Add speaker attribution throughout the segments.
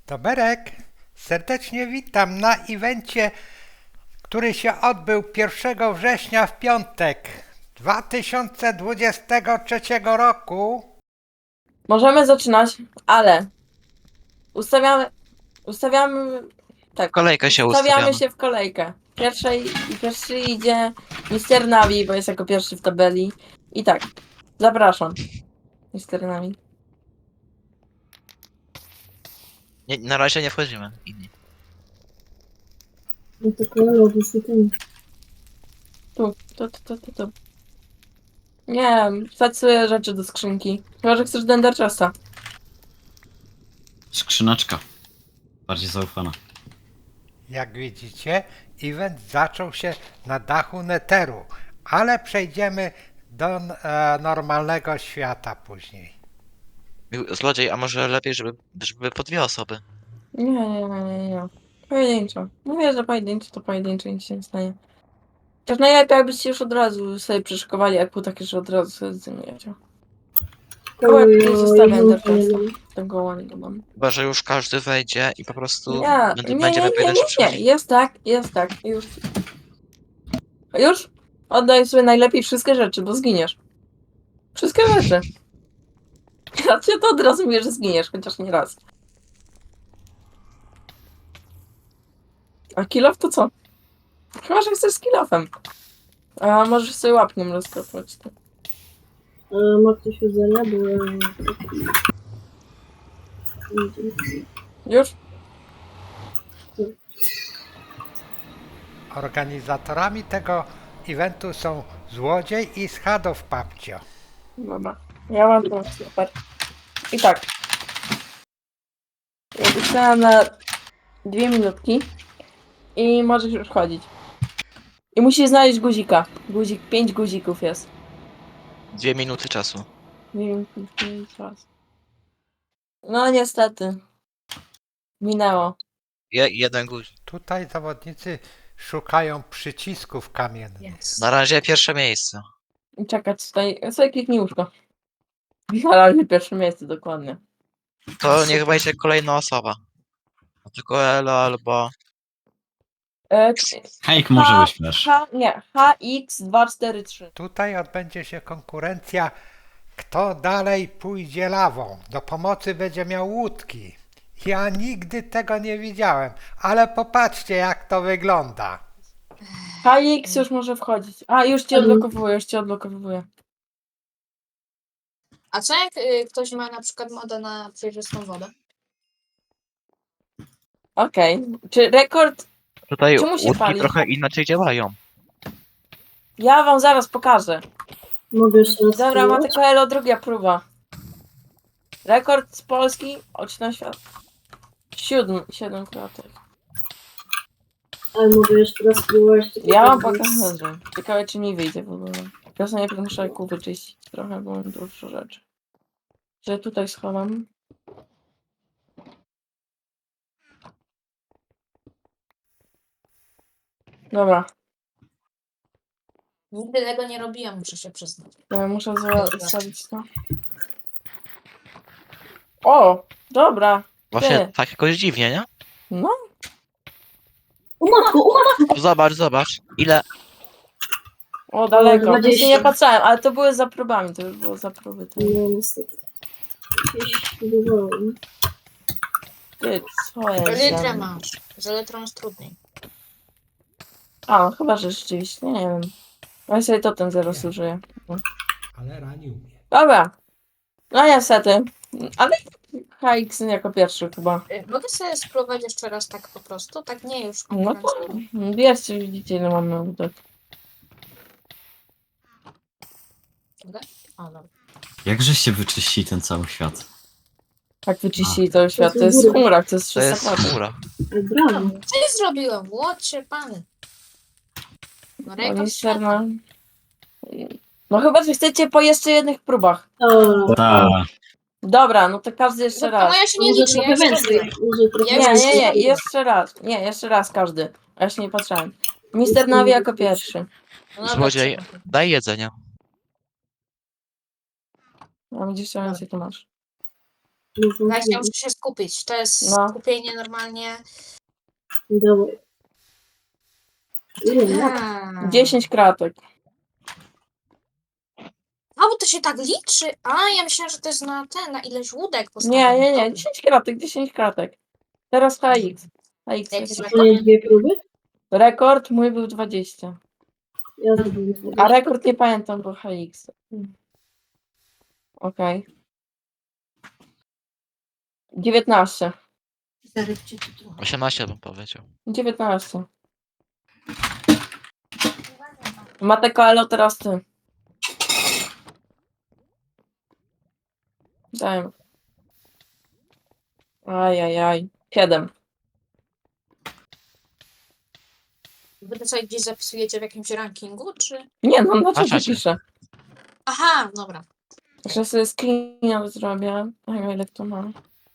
Speaker 1: Toberek, serdecznie witam na evencie, który się odbył 1 września w piątek 2023 roku.
Speaker 2: Możemy zaczynać, ale ustawiamy, tak,
Speaker 3: Kolejkę się
Speaker 2: ustawiamy
Speaker 3: ustawiamy.
Speaker 2: się w kolejkę. Pierwszy idzie Mister Navi, bo jest jako pierwszy w tabeli. I tak, zapraszam. Mister Navi.
Speaker 3: Nie, na razie nie wchodzimy. Inni.
Speaker 4: No to kolor ten.
Speaker 2: Tu. Nie wiem, wsadź sobie rzeczy do skrzynki. Chyba, że chcesz Dender Chesta.
Speaker 5: Skrzyneczka. Bardziej zaufana.
Speaker 1: Jak widzicie, event zaczął się na dachu Netheru, ale przejdziemy do normalnego świata później.
Speaker 3: Zlodziej, a może lepiej, żeby po dwie osoby.
Speaker 2: Nie. Pojedynczo. Mówię, że pojedynczo to pojedynczo, nic się nie stanie. Też najlepiej, jakbyście już od razu sobie przyszykowali, jak był takie, że od razu sobie zdejmujecie. Koło jak tutaj zostawiam Ender Chesta. Tego ładnego mam.
Speaker 3: Chyba, że już każdy wejdzie i po prostu
Speaker 2: Nie,
Speaker 3: będziemy pojedynczy
Speaker 2: nie.
Speaker 3: przychodzić.
Speaker 2: Jest tak. Już? Oddaj sobie najlepiej wszystkie rzeczy, bo zginiesz. Wszystkie rzeczy. Ja cię to od razu mówię, że zginiesz, chociaż nie raz. A kill off to co? Chyba, że chcesz z kill offem. A możesz sobie łapną rozkopać.
Speaker 4: Ma ktoś jedzenia, bo...
Speaker 2: Już?
Speaker 1: Organizatorami tego eventu są Złodziej i Schadow Papcio.
Speaker 2: Dobra. Ja mam to super. I tak. Ja pisałem na 2 minutki i możesz już chodzić. I musisz znaleźć guzika. 5 guzików jest.
Speaker 3: 2 minuty czasu.
Speaker 2: Nie wiem, czas. No niestety. Minęło.
Speaker 3: Jeden guzik.
Speaker 1: Tutaj zawodnicy szukają przycisków kamiennych.
Speaker 3: Na razie pierwsze miejsce.
Speaker 2: I czekać tutaj. Sobie kliknij łóżko. Na razie pierwsze miejsce, dokładnie.
Speaker 3: To niech wejdzie kolejna osoba. Tylko Elo albo...
Speaker 2: E,
Speaker 5: Hejk, może wyśmiesz.
Speaker 2: HX243.
Speaker 1: Tutaj odbędzie się konkurencja, kto dalej pójdzie lawą. Do pomocy będzie miał łódki. Ja nigdy tego nie widziałem, ale popatrzcie, jak to wygląda.
Speaker 2: HX już może wchodzić. A, już cię odblokowuję.
Speaker 6: A co jak ktoś ma na przykład modę na przejrzystą wodę?
Speaker 2: Okej. Czy rekord?
Speaker 3: Tutaj
Speaker 2: Czemu się
Speaker 3: łódki
Speaker 2: pali?
Speaker 3: trochę inaczej działają.
Speaker 2: Ja wam zaraz pokażę.
Speaker 4: Mogę jeszcze raz
Speaker 2: Dobra, ma
Speaker 4: spróbować?
Speaker 2: tylko Elo, druga próba. Rekord z Polski, oczy na świat. 7 klatek.
Speaker 4: Ale mogę jeszcze raz spróbować. tylko
Speaker 2: Ja wam
Speaker 4: tak,
Speaker 2: pokażę. Ciekawe, czy mi wyjdzie w ogóle. Ja sobie najpierw muszę kół wyczyścić trochę, bo mam dużo rzeczy. Że tutaj schowam. Dobra,
Speaker 6: Nigdy tego nie robiłam, muszę się przyznać.
Speaker 2: ja muszę zostawić to. O, dobra.
Speaker 3: Właśnie
Speaker 2: Ty.
Speaker 3: tak jakoś dziwnie, nie?
Speaker 2: No,
Speaker 4: O matko!
Speaker 3: Zobacz. Ile...
Speaker 2: o daleko.
Speaker 4: 20.
Speaker 2: Właśnie nie patrzałem, ale to były za próbami, to już było za próby. Ty,
Speaker 4: No niestety. Jakieś próbowałem.
Speaker 2: co jest?
Speaker 6: Litrę
Speaker 2: za-
Speaker 6: masz. Z litrą jest trudniej.
Speaker 2: A, no chyba, że rzeczywiście, nie wiem. Ja sobie totem zaraz użyję.
Speaker 1: Ale ranił mnie.
Speaker 2: Dobra. No niestety. Ale HX jako pierwszy chyba.
Speaker 6: Mogę sobie spróbować jeszcze raz tak po prostu? Tak nie już
Speaker 2: No to
Speaker 6: konkurencyjnie.
Speaker 2: wiecie, widzicie ile mamy łódek.
Speaker 6: O, dobra.
Speaker 5: Jakżeście wyczyścili ten cały świat?
Speaker 2: Tak wyczyścili cały świat. To jest chmura, to jest
Speaker 3: To
Speaker 2: 300
Speaker 3: jest
Speaker 2: klatek.
Speaker 3: chmura.
Speaker 4: Brawo.
Speaker 6: Co ja zrobiłem? Łocie pany. No rekord
Speaker 2: Mister,
Speaker 6: świata.
Speaker 2: no chyba, że chcecie po jeszcze jednych próbach.
Speaker 4: O,
Speaker 5: Tak.
Speaker 2: Dobra, no to każdy jeszcze
Speaker 6: No to
Speaker 2: raz.
Speaker 6: moja się nie
Speaker 4: może
Speaker 6: liczy, ja
Speaker 4: trochę
Speaker 6: już
Speaker 4: więcej.
Speaker 6: robiłem.
Speaker 4: Może trochę
Speaker 6: Ja już
Speaker 2: Nie,
Speaker 4: więcej.
Speaker 2: jeszcze raz. Nie, jeszcze raz każdy. A ja się nie patrzałem. Mister Navi jako pierwszy.
Speaker 6: No dobra,
Speaker 3: Złodziej,
Speaker 6: trzeba.
Speaker 3: daj jedzenie.
Speaker 2: A widzisz, co więcej tu masz.
Speaker 4: No,
Speaker 6: Weź, ja muszę się skupić. To jest
Speaker 2: No.
Speaker 6: skupienie normalnie.
Speaker 4: Dawaj. Ile?
Speaker 2: 10 kratek.
Speaker 6: A, bo to się tak liczy. A, ja myślałam, że to jest na ten, na ileś łódek
Speaker 2: Nie, nie, nie.
Speaker 6: Dobra.
Speaker 2: 10 kratek, 10 kratek. Teraz HX. HX
Speaker 6: Jaki
Speaker 2: jest
Speaker 6: jest
Speaker 4: To nie 2 próby?
Speaker 2: rekord, mój był 20.
Speaker 4: Ja zrobiłem
Speaker 2: A
Speaker 4: 20.
Speaker 2: rekord nie pamiętam, bo HX. Okej. 19.
Speaker 3: 18 bym powiedział.
Speaker 2: 19. Mateko, elo, teraz ty. Dajmy. Ajajaj. 7.
Speaker 6: Wy to sobie gdzieś zapisujecie w jakimś rankingu, czy?
Speaker 2: Nie, no na czacie
Speaker 3: czacie.
Speaker 2: piszę.
Speaker 6: Aha, dobra.
Speaker 2: Jeszcze sobie screena zrobię. Ej, ile to mam?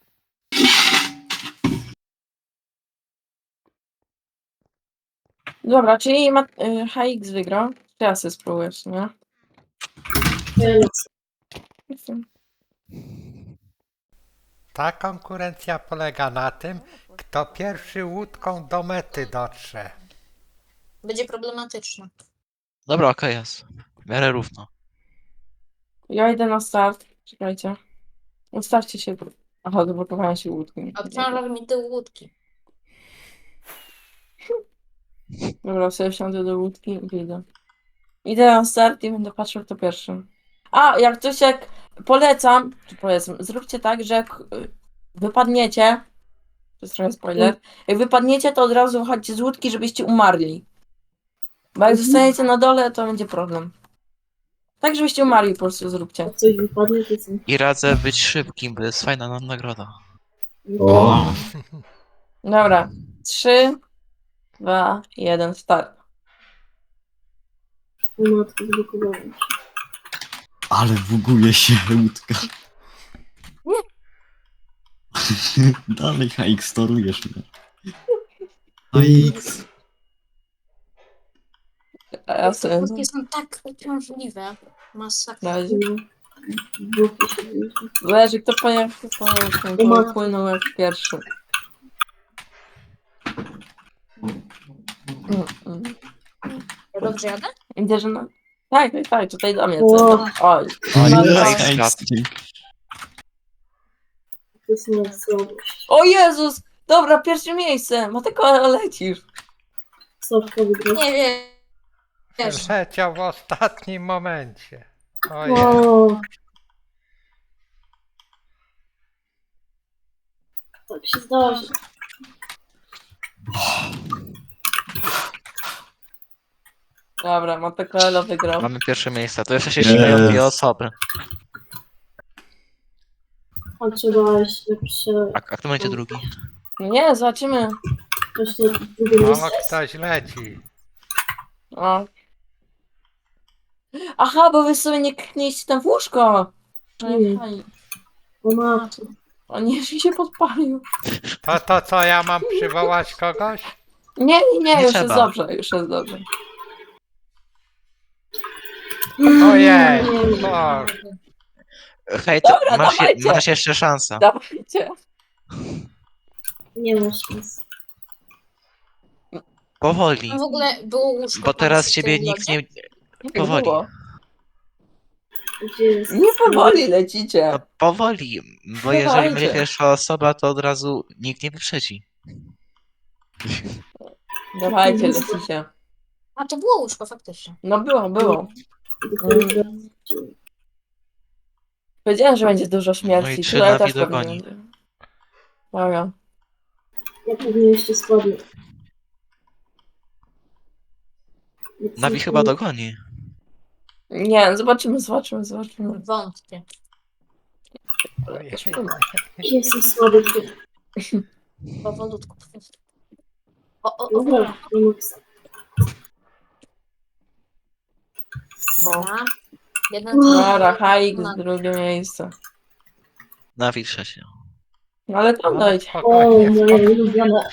Speaker 2: Dobra, czyli HX wygrał. Teraz sobie spróbuję w sumie.
Speaker 1: Ta konkurencja polega na tym, kto pierwszy łódką do mety dotrze.
Speaker 6: Będzie problematyczne.
Speaker 3: Dobra, okej jest. W miarę równo.
Speaker 2: Ja idę na start. Czekajcie. Ustawcie się. Aha, zablokowałem się łódki.
Speaker 6: Obciąża mi tył łódki.
Speaker 2: Dobra, sobie wsiądę do łódki i wyjdę. Idę na start i będę patrzył kto pierwszy. A, jak polecam, czy powiedzmy, zróbcie tak, że jak wypadniecie, to jest trochę spoiler, jak wypadniecie, to od razu wychodźcie z łódki, żebyście umarli. Bo jak zostaniecie na dole, to będzie problem. Tak, żebyście umarli, po prostu zróbcie.
Speaker 4: Jak coś wypadnie, to są...
Speaker 3: I radzę być szybkim, bo jest fajna nagroda.
Speaker 5: O,
Speaker 2: Dobra. 3, 2, 1, start.
Speaker 4: O matko, zblokowałem.
Speaker 5: ale buguje się łódka. Dalej HX, torujesz mnie. HX.
Speaker 2: A ja
Speaker 6: Te
Speaker 2: sobie...
Speaker 6: łódki są tak uciążliwe. Masakra.
Speaker 2: Razie.
Speaker 4: No. Boki się wzięły.
Speaker 2: Zależy kto pojechał, kto płynął jak pierwszy.
Speaker 6: Ja dobrze jadę?
Speaker 2: Idę, że no... Tak, tak, tak, tutaj do mnie.
Speaker 4: O.
Speaker 2: Oj.
Speaker 3: O,
Speaker 2: No,
Speaker 3: nie,
Speaker 2: no.
Speaker 3: HX.
Speaker 4: To jest moja słabość.
Speaker 2: O Jezus! Dobra, pierwsze miejsce! Mateko, lecisz.
Speaker 4: Sławka wygrał.
Speaker 6: Nie wiem. Wiesz,
Speaker 1: Leciał w ostatnim momencie. Ojej.
Speaker 4: O. Tak się zdarzy.
Speaker 2: Dobra, Mateko wygrał.
Speaker 3: Mamy pierwsze miejsce. To jeszcze się śmieją dwie osoby.
Speaker 4: A trzeba jeszcze
Speaker 3: A kto będzie drugi?
Speaker 2: Nie, zobaczymy.
Speaker 4: jeszcze drugie
Speaker 1: O,
Speaker 4: miejsce.
Speaker 1: ktoś leci.
Speaker 2: O. Aha, bo wy sobie nie kliknęliście tam w łóżko.
Speaker 4: Nie. O matko.
Speaker 2: O nie, mi się podpalił.
Speaker 1: To co, ja mam przywołać kogoś?
Speaker 2: Nie,
Speaker 3: Nie
Speaker 2: już
Speaker 3: trzeba.
Speaker 2: jest dobrze, już jest dobrze.
Speaker 1: Ojej.
Speaker 4: Nie.
Speaker 1: O,
Speaker 3: Hej, to
Speaker 2: Dobra, dawajcie.
Speaker 3: masz jeszcze szansę.
Speaker 2: Dawajcie.
Speaker 4: Nie masz szans.
Speaker 3: Powoli.
Speaker 6: tam w ogóle było łóżko.
Speaker 3: Bo
Speaker 6: tam
Speaker 3: teraz
Speaker 6: w
Speaker 3: ciebie
Speaker 6: tym
Speaker 3: nikt
Speaker 6: lodzie?
Speaker 3: nie... Powoli.
Speaker 2: Było.
Speaker 4: Gdzie jest?
Speaker 2: Nie powoli lecicie.
Speaker 3: No powoli, bo jeżeli
Speaker 2: Dawajcie.
Speaker 3: będzie pierwsza osoba, to od razu nikt nie wyprzedzi.
Speaker 2: Dawajcie, lecicie.
Speaker 6: A to było łóżko faktycznie.
Speaker 2: No było.
Speaker 4: Dopiero teraz.
Speaker 2: Powiedziałem, że będzie dużo
Speaker 3: No
Speaker 2: śmierci.
Speaker 3: i trzy
Speaker 2: Tutaj
Speaker 3: na
Speaker 2: też
Speaker 3: widok
Speaker 2: pewnie
Speaker 3: goni.
Speaker 2: będzie. Dobra.
Speaker 4: Ja pewnie jeszcze słabiej.
Speaker 3: Nawi chyba dogoni.
Speaker 2: Nie, zobaczymy.
Speaker 6: Wątpię.
Speaker 1: ojej.
Speaker 4: Jestem słaby.
Speaker 6: Powolutku. O.
Speaker 4: Dobra, nie mogę sam.
Speaker 6: Dobra. Jeden
Speaker 2: Dobra, HX, drugie miejsce.
Speaker 3: Nawi trzecie.
Speaker 2: No ale tam
Speaker 1: O,
Speaker 2: dojdzie.
Speaker 4: O,
Speaker 1: spokojnie,
Speaker 4: moje
Speaker 1: spokojnie.
Speaker 4: ulubione.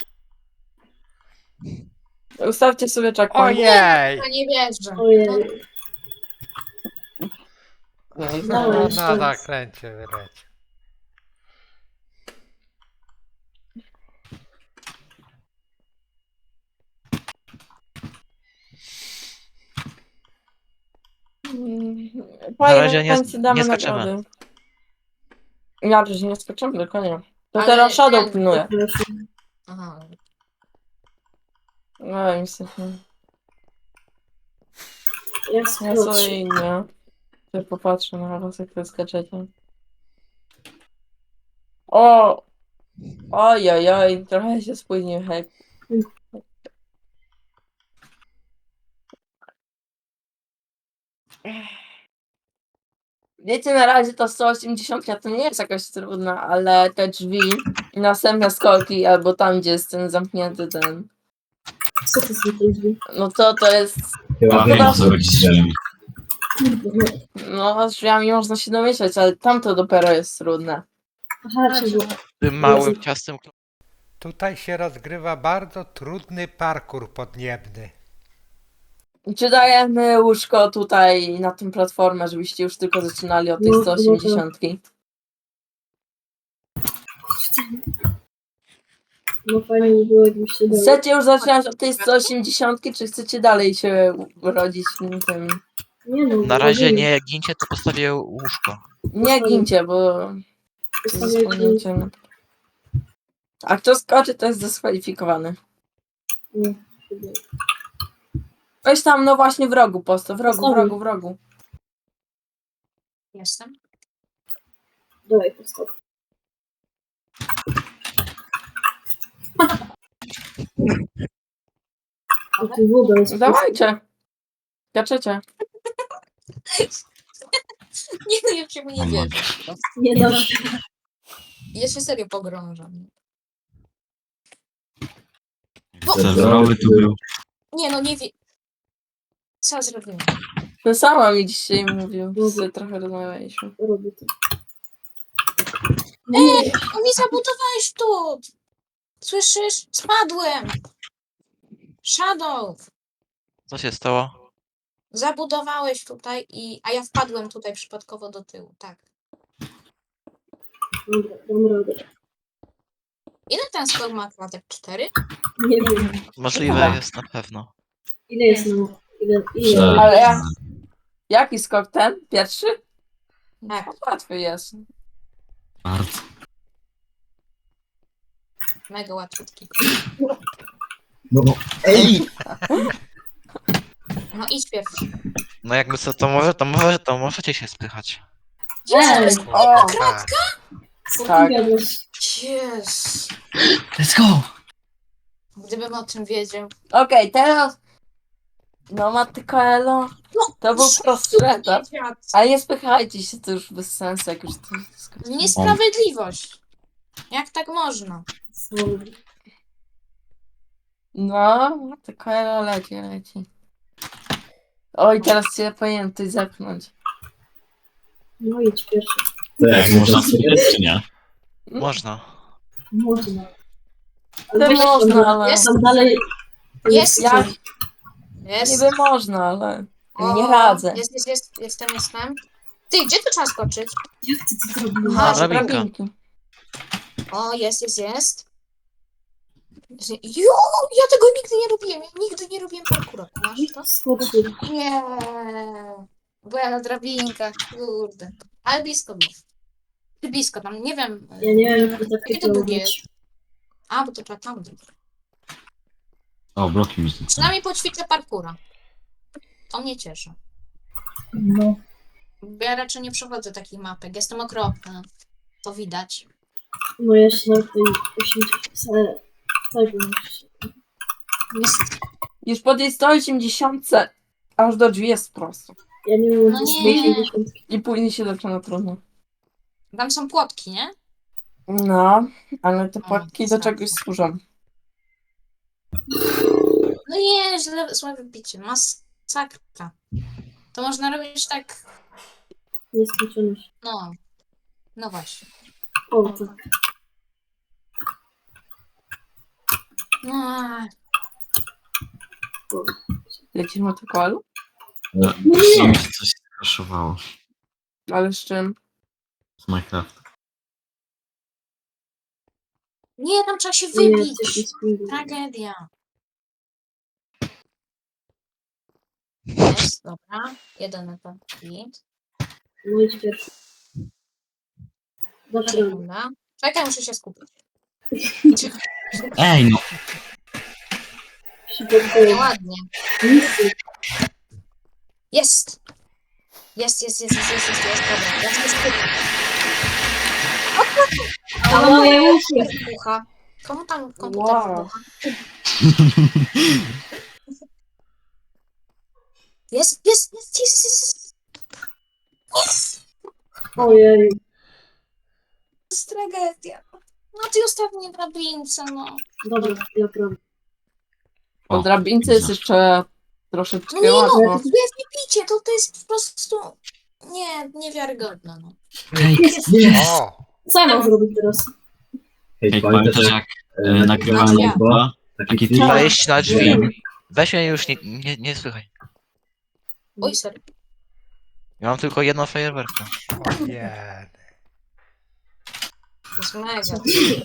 Speaker 2: Ustawcie sobie checkpoint.
Speaker 1: Ojej.
Speaker 6: Ja nie wierzę.
Speaker 4: Ojej.
Speaker 2: No i
Speaker 1: No,
Speaker 2: znowu.
Speaker 4: jeszcze
Speaker 1: na
Speaker 4: raz.
Speaker 1: zakręcie wyleciał.
Speaker 3: Na razie nie,
Speaker 2: Więc damy
Speaker 3: nie skaczemy.
Speaker 2: nagrody. Ja też nie skoczymy, tylko nie. To
Speaker 6: Ale
Speaker 2: teraz Shadow
Speaker 6: ten-
Speaker 2: pilnuje.
Speaker 6: Aha.
Speaker 2: No niestety.
Speaker 4: Ja
Speaker 2: Ja
Speaker 4: skoczę.
Speaker 2: sobie nie. Też popatrzę na was, jak to skaczecie. O! Ojojoj, trochę się spóźnił, hek. Wiecie, na razie to 180 to nie jest jakaś trudna, ale te drzwi i następne skoki, albo tam, gdzie jest ten zamknięty ten.
Speaker 4: Co to są te drzwi?
Speaker 2: No to jest.
Speaker 5: Ja wiem, o co chodzi z drzwiami.
Speaker 2: No, z drzwiami można się domyśleć, ale tamto dopiero jest trudne.
Speaker 4: Aha, czyli
Speaker 3: Tym małym ciastym.
Speaker 1: Tutaj się rozgrywa bardzo trudny parkour podniebny.
Speaker 2: Czy dajemy łóżko tutaj na tą platformę, żebyście już tylko zaczynali od tej
Speaker 4: No,
Speaker 2: 180?
Speaker 4: no fajnie by było, jakbyście dali.
Speaker 2: Chcecie już zaczynać od tej 180, czy chcecie dalej się rodzić w tym?
Speaker 4: Nie no,
Speaker 3: Na razie
Speaker 4: robimy.
Speaker 3: nie gincie, to postawię łóżko.
Speaker 2: Nie gincie, bo
Speaker 4: Zostawiajcie-
Speaker 2: zasłonięcie. A kto skoczy, to jest dyskwalifikowany.
Speaker 4: Nie, chyba.
Speaker 2: Weź tam, no właśnie w rogu postaw, w rogu, w
Speaker 4: Postawię.
Speaker 2: rogu, w rogu.
Speaker 6: Jestem.
Speaker 4: Dawaj, postaw. A tu woda jest.
Speaker 2: Dawajcie. Skaczecie.
Speaker 6: Nie, no ja się mu nie
Speaker 5: O
Speaker 6: wierzę.
Speaker 4: Nie da się.
Speaker 6: Ja się serio pogrążam.
Speaker 5: Serwerowy tu był.
Speaker 6: Nie no, nie wie... Co zrobimy?
Speaker 2: To sama mi dzisiaj mówił, że trochę rozmawialiśmy.
Speaker 4: Robię to.
Speaker 6: No mi zabudowałeś tu! Słyszysz? Spadłem! Shadow!
Speaker 3: Co się stało?
Speaker 6: Zabudowałeś tutaj a ja wpadłem tutaj przypadkowo do tyłu, tak.
Speaker 4: Dobra, dam radę.
Speaker 6: Ile ten skok ma klatek? 4?
Speaker 4: Nie wiem.
Speaker 3: Możliwe jest na pewno.
Speaker 4: Ile jest na... Ile?
Speaker 5: Tak.
Speaker 2: Ale ja... Jaki skok ten? Pierwszy?
Speaker 6: Tak,
Speaker 2: Łatwy jest.
Speaker 5: Bardzo.
Speaker 6: mega łatwiutki.
Speaker 5: No, ej!
Speaker 6: No idź pierwszy.
Speaker 3: No jakby co, to możecie się spychać.
Speaker 4: Ej,
Speaker 2: O,
Speaker 1: Tak.
Speaker 4: co
Speaker 2: tak.
Speaker 4: ty gadasz?
Speaker 6: Yes.
Speaker 5: Let's go!
Speaker 6: Gdybym o tym wiedział.
Speaker 2: Okej, teraz... No Mattykoelo,
Speaker 6: No,
Speaker 2: to był prostszy etap.
Speaker 6: Świat.
Speaker 2: Ale nie spychajcie się, to już bez sensu, jak już to skoczyło.
Speaker 6: Niesprawiedliwość. Jak tak można?
Speaker 4: Słaby.
Speaker 2: No, Mattykoelo leci. Oj, teraz cię powinienem coś zepchnąć.
Speaker 4: No idź pierwszy.
Speaker 5: Tak, można sobie czy nie?
Speaker 3: Można.
Speaker 4: Można.
Speaker 2: To
Speaker 4: weź
Speaker 2: można,
Speaker 4: tam,
Speaker 2: ale...
Speaker 6: Jest.
Speaker 4: tam dalej...
Speaker 6: Jest.
Speaker 2: Ja
Speaker 6: Jest.
Speaker 2: niby można, ale...
Speaker 6: O,
Speaker 2: Nie radzę.
Speaker 6: Jestem. Ty, gdzie tu trzeba skoczyć?
Speaker 4: Jak ty to zrobiłeś?
Speaker 6: Aha,
Speaker 3: Dobra. drabinka.
Speaker 2: drabinki.
Speaker 6: O, jest. Jo, ja tego nigdy nie robiłem. Ja nigdy nie robiłem parkoura. Masz to?
Speaker 4: Skoczył.
Speaker 6: Nie. Bo ja na drabinkach, kurde. Ale blisko było. Ty blisko tam, nie wiem.
Speaker 4: Ja nie wiem, jak to tak
Speaker 6: Jakie to
Speaker 4: miało
Speaker 6: długie
Speaker 4: być.
Speaker 6: jest? A, bo to trzeba tam.
Speaker 5: O, bloki mi zniknęły.
Speaker 6: Przynajmniej poćwiczę parkoura. To mnie cieszy.
Speaker 4: No.
Speaker 6: Bo ja raczej nie przechodzę takich mapek. Jestem okropna. To widać.
Speaker 4: No ja się na tej 80... Tego
Speaker 6: Jest...
Speaker 2: Już po tej 180 aż do drzwi jest prosto.
Speaker 4: Ja nie wiem,
Speaker 6: No
Speaker 4: jak
Speaker 6: nie.
Speaker 4: to jest 80.
Speaker 2: I później się zaczyna trudno.
Speaker 6: Tam są płotki, nie?
Speaker 2: No, ale te
Speaker 6: O,
Speaker 2: płatki do
Speaker 6: znaczy.
Speaker 2: czegoś służą.
Speaker 6: No nie, złe wybicie. Masakra. To można robić tak...
Speaker 4: Nieskończoność.
Speaker 6: No. No właśnie.
Speaker 4: O, tak.
Speaker 6: No,
Speaker 2: Lecisz Mattykoelu?
Speaker 5: No,
Speaker 4: Nie.
Speaker 5: mi się coś skraszowało
Speaker 2: Ale z czym?
Speaker 5: z Minecraft.
Speaker 6: nie, tam trzeba się
Speaker 4: Nie,
Speaker 6: wybić.
Speaker 4: coś mi spływa.
Speaker 6: Tragedia. Jest, dobra. Jeden etap. Git.
Speaker 4: No idź pierwszy. Dasz radę.
Speaker 6: Sekunda. Czekaj, muszę się skupić.
Speaker 5: Ej, no.
Speaker 4: Przygotuję.
Speaker 6: Ładnie.
Speaker 4: Misy.
Speaker 6: Jest! Jest. Dobra, ja się skupię.
Speaker 4: A moje uszy.
Speaker 6: Wybucha. Komu tam komputer
Speaker 2: Wow.
Speaker 6: wybucha? Jest.
Speaker 4: Ojej.
Speaker 6: To jest tragedia. No ty ostatnie drabince, no.
Speaker 4: Dobra, naprawdę.
Speaker 2: Po drabince jest jeszcze troszeczkę
Speaker 6: No nie no,
Speaker 2: łatwo.
Speaker 6: nie picie, to jest po prostu... Niewiarygodne, no.
Speaker 5: Ej,
Speaker 1: O!
Speaker 4: Co ja mam zrobić teraz?
Speaker 5: ej, pamiętasz jak nagrywałem
Speaker 6: Ja.
Speaker 5: YouTube'a? Taki trik.
Speaker 3: Wejść na drzwi. Weź mnie już, nie słychaj.
Speaker 6: Oj, sorry.
Speaker 3: Ja mam tylko jedną fajerwerkę.
Speaker 1: Ojej.
Speaker 6: To jest mega.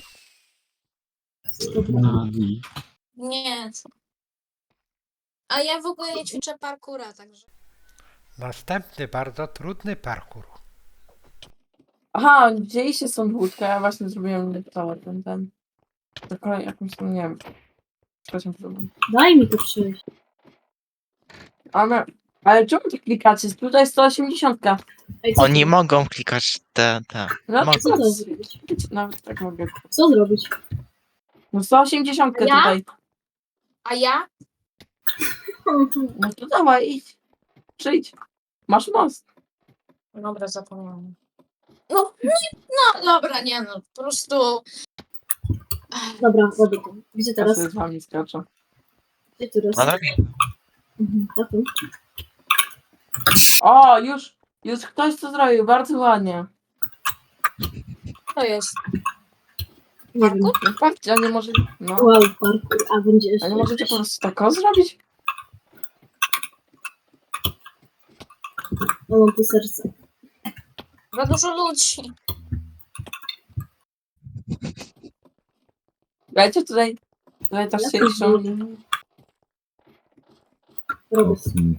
Speaker 5: Nawi.
Speaker 6: Nie, co? A ja w ogóle nie ćwiczę parkoura, także...
Speaker 1: Następny bardzo trudny parkour.
Speaker 2: Aha, widzieliście stąd łódkę, ja właśnie zrobiłem to, ten. Tylko jakąś tam, nie wiem. Coś mi zrobiłem.
Speaker 4: Daj mi to przejść.
Speaker 2: Ale czemu to klikacie? Tutaj 180.
Speaker 4: Ej, co
Speaker 3: Oni
Speaker 4: to?
Speaker 3: mogą klikać te.
Speaker 2: No
Speaker 3: Mogą.
Speaker 4: Co to zrobić?
Speaker 2: nawet tak mogę.
Speaker 4: Co zrobić?
Speaker 2: No 180
Speaker 6: Ja?
Speaker 2: tutaj.
Speaker 6: A ja?
Speaker 2: No to dawaj, idź. Przyjdź. Masz most.
Speaker 6: Dobra, zapomniałam. No, dobra, nie no, po prostu...
Speaker 4: Dobra, robię to. Gdzie
Speaker 2: Ja
Speaker 4: teraz?
Speaker 2: sobie z wami skaczę.
Speaker 4: Gdzie teraz?
Speaker 3: Na drabinę.
Speaker 4: Mhm, tak.
Speaker 2: O, już ktoś to zrobił, bardzo ładnie.
Speaker 6: To jest...
Speaker 4: Nie wiem.
Speaker 2: No patrzcie, a nie może... No.
Speaker 4: Wow, parkour. A będzie
Speaker 2: A
Speaker 4: jeszcze.
Speaker 2: nie możecie po prostu tak zrobić?
Speaker 4: Ja mam tu serce.
Speaker 6: Za dużo ludzi.
Speaker 2: Wiecie, tutaj też
Speaker 4: Ja
Speaker 2: się
Speaker 4: też
Speaker 2: liczą.
Speaker 4: Robię.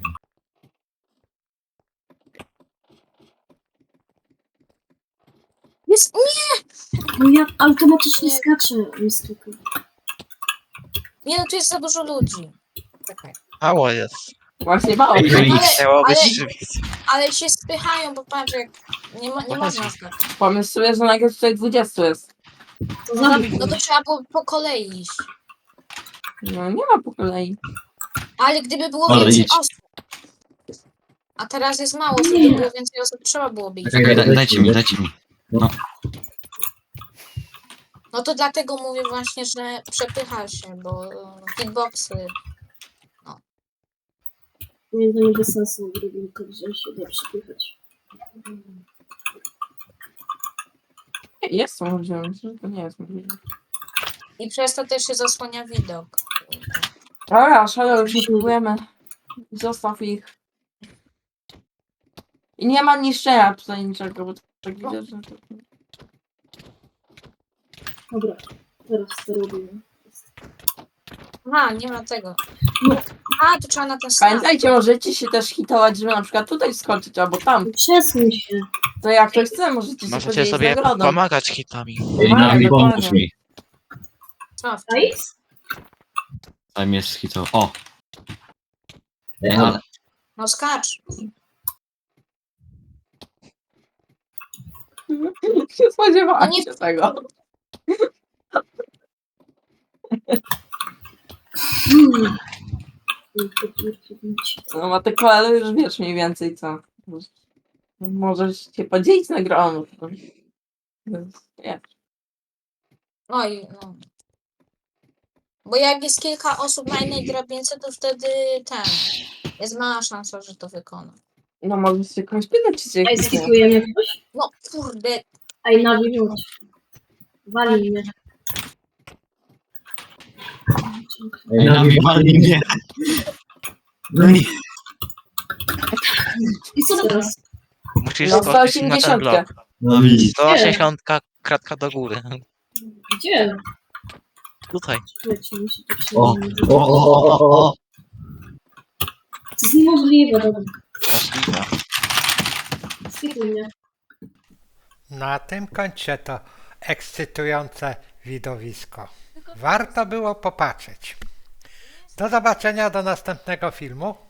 Speaker 6: Jest... Nie!
Speaker 4: No ja automatycznie skaczę. Mistyku.
Speaker 6: Nie no, tu jest za dużo ludzi. Czekaj.
Speaker 3: Mało jest.
Speaker 2: Właśnie mało.
Speaker 5: Ej, ej,
Speaker 3: Chciało być
Speaker 6: ale-
Speaker 3: szybciej.
Speaker 6: Ale się spychają, bo patrz, jak... Nie
Speaker 3: No
Speaker 6: można skakać.
Speaker 2: Pomysł sobie, że nagle tutaj 20 jest.
Speaker 4: To zabić.
Speaker 6: No to trzeba było po kolei iść.
Speaker 2: No nie ma po kolei.
Speaker 6: Ale gdyby było
Speaker 5: Ale
Speaker 6: więcej
Speaker 5: idź.
Speaker 6: osób. A teraz jest mało, gdyby było więcej osób, trzeba byłoby iść.
Speaker 5: Czekaj, dajcie mi.
Speaker 6: No to dlatego mówię właśnie, że przepycha się, bo hitboxy...
Speaker 4: Nie, to nie bez sensu drobinkę wziąć się da przypychać.
Speaker 2: Jest możliwe, myślę, że to nie jest możliwe.
Speaker 6: I przez to też się zasłania widok.
Speaker 2: Dobra, Shadow, już nie próbujemy. Zostaw ich. I nie ma niszczenia tutaj niczego, bo tak widzę, że...
Speaker 4: Dobra, teraz to robimy.
Speaker 6: Aha, nie ma tego. A, to trzeba na ten snap.
Speaker 2: Pamiętajcie, możecie się też hitować, żeby na przykład tutaj skoczyć, albo tam.
Speaker 4: Przesuń się.
Speaker 2: To jak ktoś chce, możecie się
Speaker 3: Możecie
Speaker 2: podzielić
Speaker 3: sobie
Speaker 2: nagrodą.
Speaker 3: pomagać hitami.
Speaker 5: Ej, Nawi, pomóż mi.
Speaker 6: Co?
Speaker 4: Ice?
Speaker 5: Tam jest hito. O! Ej, ale...
Speaker 6: No skacz.
Speaker 2: Nie spodziewałam
Speaker 6: No nie-
Speaker 2: się tego. No ma te koale już wiesz mniej więcej co. Możesz się podzielić nagrodą. Nie.
Speaker 6: Oj, no. Bo jak jest kilka osób na jednej drabince, to wtedy jest mała szansa, że to wykona.
Speaker 2: No możesz się kogoś pytać, czy się
Speaker 4: Ej,
Speaker 2: jakiś nie.
Speaker 4: skipujemy ktoś?
Speaker 6: No kurde,
Speaker 4: Ej, Nawi, chodź. Wali mnie.
Speaker 5: Ej, Nawi, wali mnie. No nie.
Speaker 4: I co teraz?
Speaker 3: Musisz
Speaker 2: No,
Speaker 3: skoczyć na ten
Speaker 2: 180.
Speaker 3: blok.
Speaker 5: Nawi.
Speaker 3: 180 kratka do góry.
Speaker 4: Gdzie?
Speaker 3: Tutaj.
Speaker 4: Słuchajcie, muszę to
Speaker 5: O,
Speaker 4: przejąć.
Speaker 5: o.
Speaker 4: To jest niemożliwe, dobra.
Speaker 3: Możliwe.
Speaker 4: skipuj mnie.
Speaker 1: Na tym kończę to ekscytujące widowisko. Warto było popatrzeć. Do zobaczenia do następnego filmu.